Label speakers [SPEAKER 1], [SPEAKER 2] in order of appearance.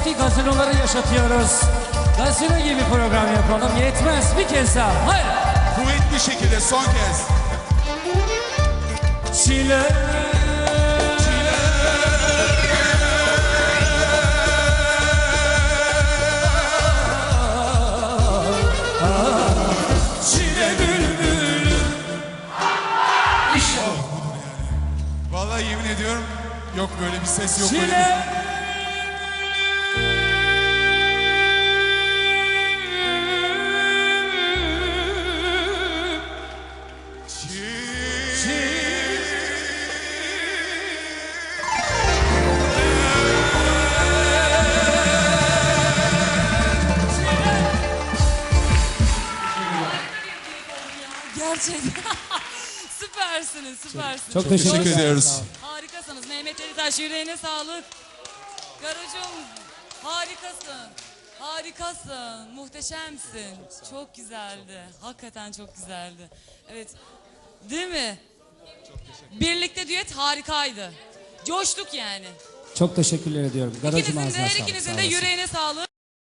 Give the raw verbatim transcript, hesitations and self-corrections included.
[SPEAKER 1] eski gazinoları yaşatıyoruz. Gazino gibi program yapalım, yetmez bir kez daha. Hayır.
[SPEAKER 2] Kuvvetli şekilde son kez.
[SPEAKER 1] Çile.
[SPEAKER 2] Vallahi yemin ediyorum yok böyle bir ses, yok böyle
[SPEAKER 1] Çile.
[SPEAKER 2] bir...
[SPEAKER 3] Gerçekten. Süpersiniz, süpersiniz.
[SPEAKER 1] Çok teşekkür,
[SPEAKER 2] Teşekkür ediyoruz.
[SPEAKER 3] Harikasınız. Mehmet Ali Taş, yüreğine sağlık. Garucum, harikasın. Harikasın. Muhteşemsin. Çok güzeldi. Hakikaten çok güzeldi. Evet. Değil mi? Birlikte düet harikaydı. Coştuk yani.
[SPEAKER 1] Çok teşekkürler ediyorum. Garajım
[SPEAKER 3] İkinizin
[SPEAKER 1] ağzına
[SPEAKER 3] de, her
[SPEAKER 1] sağlık.
[SPEAKER 3] ikinizin
[SPEAKER 1] Sağ
[SPEAKER 3] de
[SPEAKER 1] olasın.
[SPEAKER 3] yüreğine sağlık.